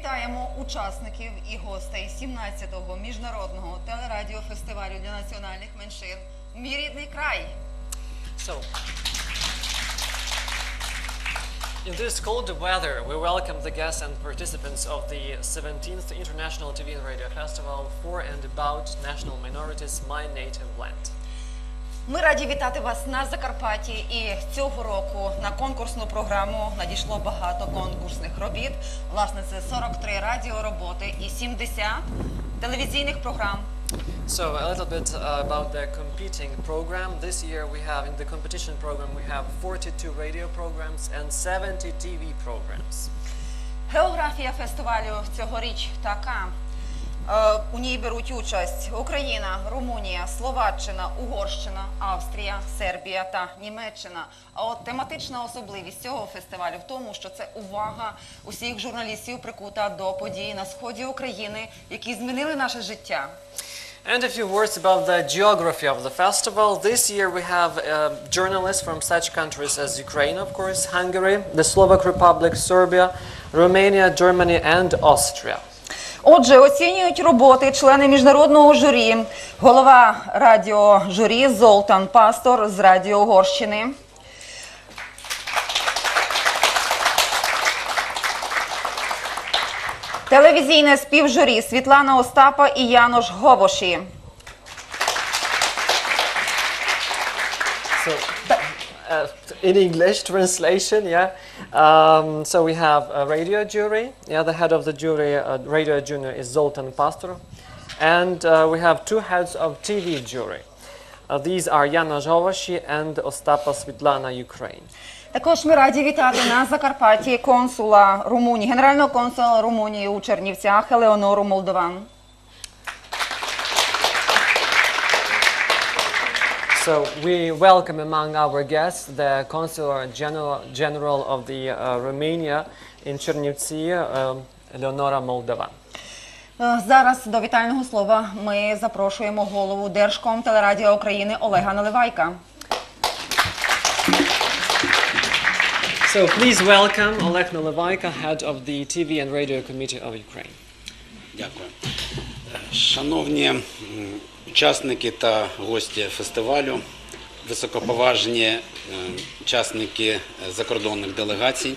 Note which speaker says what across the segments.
Speaker 1: Вітаємо учасників і гостей 17-го міжнародного телерадіофестивалю для національних меншин «Мій рідний край».
Speaker 2: In this cold weather, we welcome the guests and participants of the 17th International TV and Radio Festival for and about national minorities, My Native Land.
Speaker 1: Ми раді вітати вас на Закарпатті, і цього року на конкурсну програму надійшло багато конкурсних робіт. Власне, це 43 радіороботи і 70 телевізійних програм.
Speaker 2: So a little bit about the competing program. This year we have, in the competition program, we have 42 radio programs and 70 TV programs.
Speaker 1: Географія фестивалю цьогоріч така. У ній беруть участь Україна, Румунія, Словаччина, Угорщина, Австрія, Сербія та Німеччина. А от тематична особливість цього фестивалю в тому, що це увага усіх журналістів прикута до подій на сході України, які змінили наше життя.
Speaker 2: And a few words about the geography of the festival. This year we have journalists from such countries as Ukraine, of course, Hungary, the Slovak Republic, Serbia, Romania, Germany and Austria.
Speaker 1: Отже, оцінюють роботи члени міжнародного журі, голова радіожурі Золтан Пастор з Радіо Угорщини, телевізійне співжурі Світлана Остапа і Янош Говоші.
Speaker 2: In English translation, yeah. So we have a radio jury. Yeah, the head of the jury, radio junior, is Zoltan Pastor, and we have two heads of TV jury. These are Janos Hovoshi and Ostapa Svitlana, Ukraine.
Speaker 1: Також ми раді вітати на Закарпатті консула Румунії, генерального консула Румунії у Чернівцях Елеонору Молдован.
Speaker 2: So we welcome among our guests the Consular General of the Romania in Chernivtsi, Eleonora Moldovan.
Speaker 1: Зараз до вітального слова ми запрошуємо голову Держкомтелерадіо України Олега Наливайка.
Speaker 2: So please welcome Oleg Naливайка, head of the TV and Radio Committee of Ukraine.
Speaker 3: Дякую. Шановні учасники та гості фестивалю, високоповажні учасники закордонних делегацій.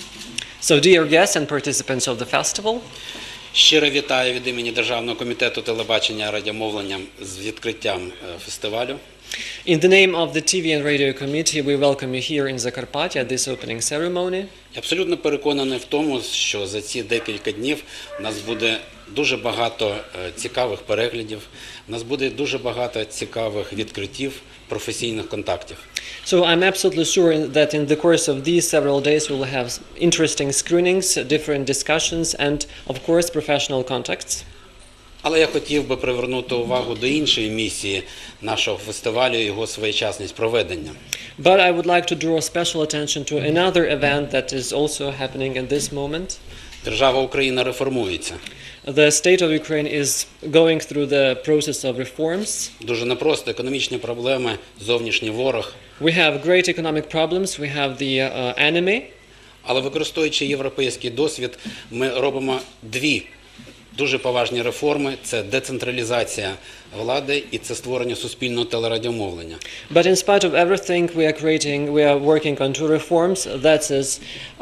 Speaker 2: So dear guests and participants of the festival.
Speaker 3: Щиро вітаю від імені Державного комітету телебачення і радіомовлення з відкриттям фестивалю.
Speaker 2: In the name of the TV and Radio Committee, we welcome you here in Zakarpattia at this opening ceremony.
Speaker 3: Я абсолютно переконаний в тому, що за ці декілька днів у нас буде дуже багато цікавих переглядів, у нас буде дуже багато цікавих відкриттів, професійних контактів.
Speaker 2: So I'm absolutely sure that in the course of these several days we will have interesting screenings, different discussions and, of course, professional contacts.
Speaker 3: Але я хотів би привернути увагу до іншої місії нашого фестивалю і його своєчасність проведення.
Speaker 2: But I would like to draw special attention to another event that is also happening at this moment.
Speaker 3: Держава Україна реформується.
Speaker 2: The state of Ukraine is going through the process of reforms.
Speaker 3: Дуже непросто, економічні проблеми, зовнішній ворог.
Speaker 2: We have great economic problems, we have the enemy.
Speaker 3: Але використовуючи європейський досвід, ми робимо дві дуже поважні реформи – це децентралізація влади і це створення суспільного телерадіомовлення.
Speaker 2: But in spite of everything, we are working on two reforms. That is,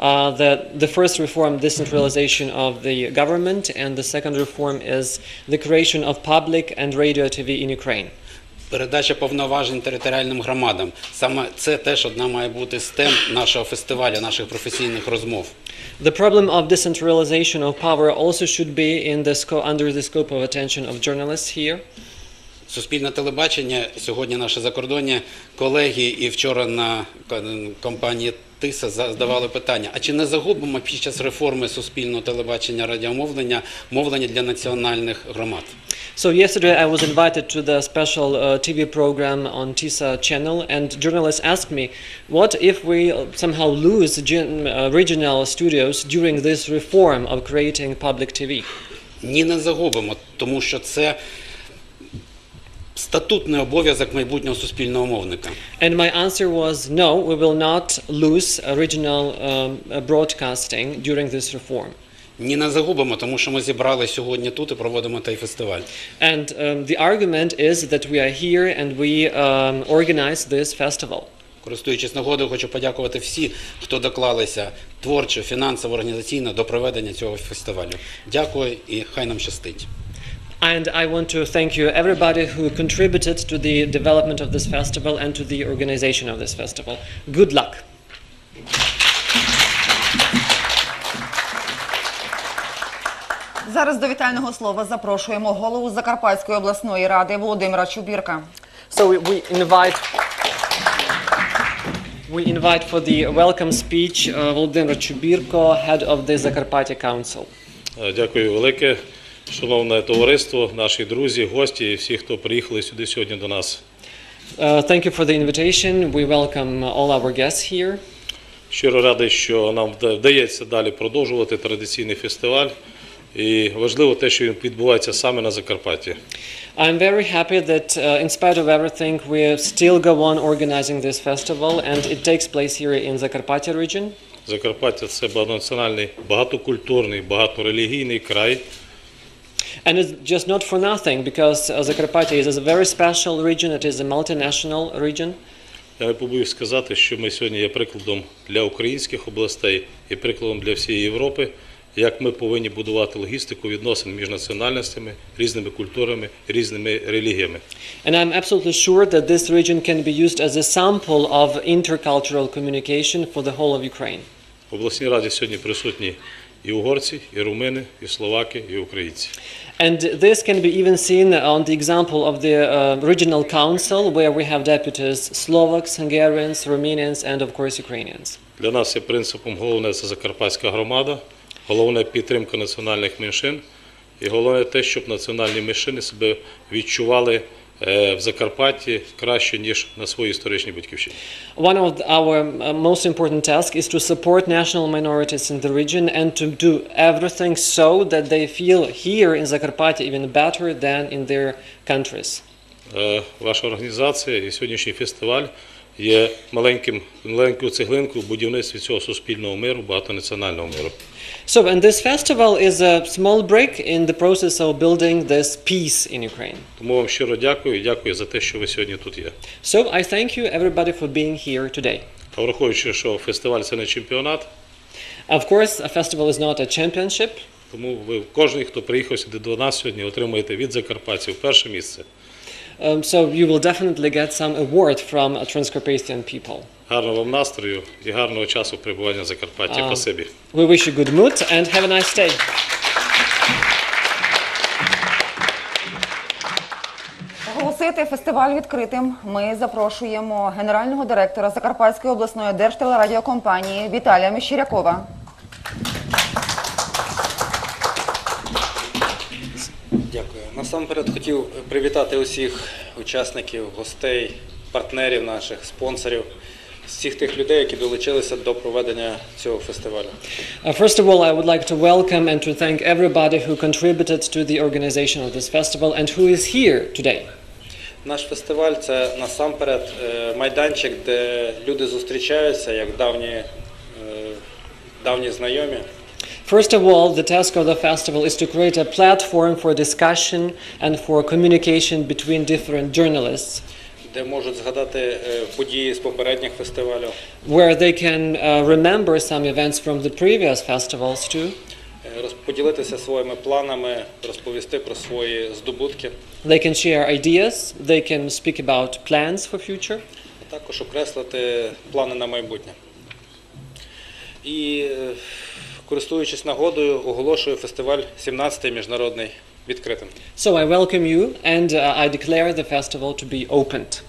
Speaker 2: the first reform, decentralization of the government, and the second reform is the creation of public and radio TV in Ukraine.
Speaker 3: Передача повноважень територіальним громадам. Саме це теж одна має бути з тем нашого фестивалю, наших професійних розмов.
Speaker 2: The problem of decentralization of power also should be under the scope of attention of journalists here.
Speaker 3: Суспільне телебачення, сьогодні наші закордонні колеги і вчора на компанії ТИСА задавали питання, а чи не загубимо під час реформи суспільного телебачення радіомовлення мовлення для національних громад?
Speaker 2: So yesterday I was invited to the special TV program on TISA channel, and journalists asked me, what if we somehow lose regional studios during this reform of creating public TV?
Speaker 3: Ні, не загубимо, тому що це статутний обов'язок майбутнього суспільного мовника.
Speaker 2: And my answer was no, we will not lose original broadcasting during this reform.
Speaker 3: ні не загубимо, тому що ми зібрали сьогодні тут і проводимо той фестиваль.
Speaker 2: And the argument is that we are here and we organize this festival.
Speaker 3: Користуючись нагодою, хочу подякувати всі, хто доклалися творчо, фінансово, організаційно до проведення цього фестивалю. Дякую і хай нам щастить.
Speaker 2: And I want to thank you, everybody who contributed to the development of this festival and to the organization of this festival. Good luck.
Speaker 1: Зараз до вітального слова запрошуємо голову Закарпатської обласної ради Володимира Чубірка.
Speaker 2: So we invite for the welcome speech Volodymyr Chubirko, head of the Zakarpattia Council.
Speaker 4: Дякую велике, шановне товариство, наші друзі, гості і всі, хто приїхали сюди сьогодні до нас.
Speaker 2: Thank you for the invitation. We welcome all our guests here.
Speaker 4: Щиро радий, що нам вдається далі продовжувати традиційний фестиваль. І важливо те, що він відбувається саме на Закарпатті.
Speaker 2: I'm very happy that in spite of everything we still go on organizing this festival and it takes place here in Zakarpattia region.
Speaker 4: Закарпаття – це багатонаціональний, багатокультурний, багаторелігійний край.
Speaker 2: And it's just not for nothing because Zakarpattia is a very special region, it is a multinational region.
Speaker 4: Я не побоюсь сказати, що ми сьогодні є прикладом для українських областей і прикладом для всієї Європи, як ми повинні будувати логістику відносин між національностями, різними культурами, різними релігіями.
Speaker 2: And I'm absolutely sure that this region can be used as a sample of intercultural communication for the whole of Ukraine.
Speaker 4: В обласній раді сьогодні присутні і угорці, і румини, і словаки, і українці.
Speaker 2: And this can be even seen on the example of the regional council where we have deputies Slovaks, Hungarians, Romanians and of course Ukrainians.
Speaker 4: Для нас є принципом головне – це закарпатська громада, головне – підтримка національних меншин і головне те, щоб національні меншини себе відчували в Закарпатті краще, ніж на своїй історичній батьківщині.
Speaker 2: One of our most important tasks is to support national minorities in the region and to do everything so that they feel here in Zakarpattia even better than in their countries.
Speaker 4: Ваша організація і сьогоднішній фестиваль є маленькою цеглинкою в будівництві цього суспільного миру, багатонаціонального миру.
Speaker 2: So, and this festival is a small break in the process of building this peace in Ukraine.
Speaker 4: Тому вам щиро дякую і дякую за те, що ви сьогодні тут є.
Speaker 2: So, I thank you everybody for being here today.
Speaker 4: А враховуючи, що фестиваль – це не чемпіонат,
Speaker 2: Of course, a festival is not a championship,
Speaker 4: тому ви, кожен, хто приїхав сюди до нас сьогодні, отримаєте від закарпатців перше місце.
Speaker 2: so you will definitely get some award from Transcarpathian people.
Speaker 4: Гарного вам настрою і гарного часу перебування в Закарпатті. Спасибі.
Speaker 2: We wish you good mood and have a nice day.
Speaker 1: Оголосити фестиваль відкритим ми запрошуємо генерального директора Закарпатської обласної держтелерадіокомпанії Віталія Мещерякова.
Speaker 5: Дякую. Насамперед хотів привітати усіх учасників, гостей, партнерів наших, спонсорів, всіх тих людей, які долучилися до проведення цього фестивалю.
Speaker 2: First of all, I would like to welcome and to thank everybody who contributed to the organization of this festival and who is here today.
Speaker 5: Наш фестиваль – це насамперед майданчик, де люди зустрічаються як давні знайомі.
Speaker 2: First of all, the task of the festival is to create a platform for discussion and for communication between different journalists,
Speaker 5: де можуть згадати події з попередніх фестивалів,
Speaker 2: where they can remember some events from the previous festivals too.
Speaker 5: Поділитися своїми планами, розповісти про свої здобутки,
Speaker 2: They can share ideas, they can speak about plans for future,
Speaker 5: а також окреслити плани на майбутнє. І користуючись нагодою, оголошую фестиваль 17-й міжнародний відкритим.
Speaker 2: So I welcome you and I declare the festival to be opened.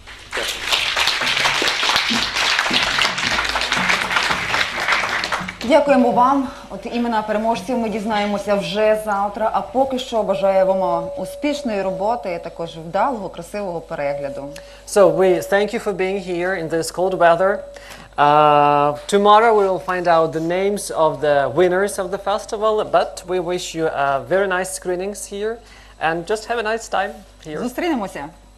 Speaker 1: Дякуємо вам. От імена переможців ми дізнаємося вже завтра, а поки що бажаємо успішної роботи, також вдалого, красивого перегляду.
Speaker 2: So we thank you for being here in this cold weather. Tomorrow we will find out the names of the winners of the festival, but we wish you very nice screenings here and just have a nice time here.
Speaker 1: Зустрінемося!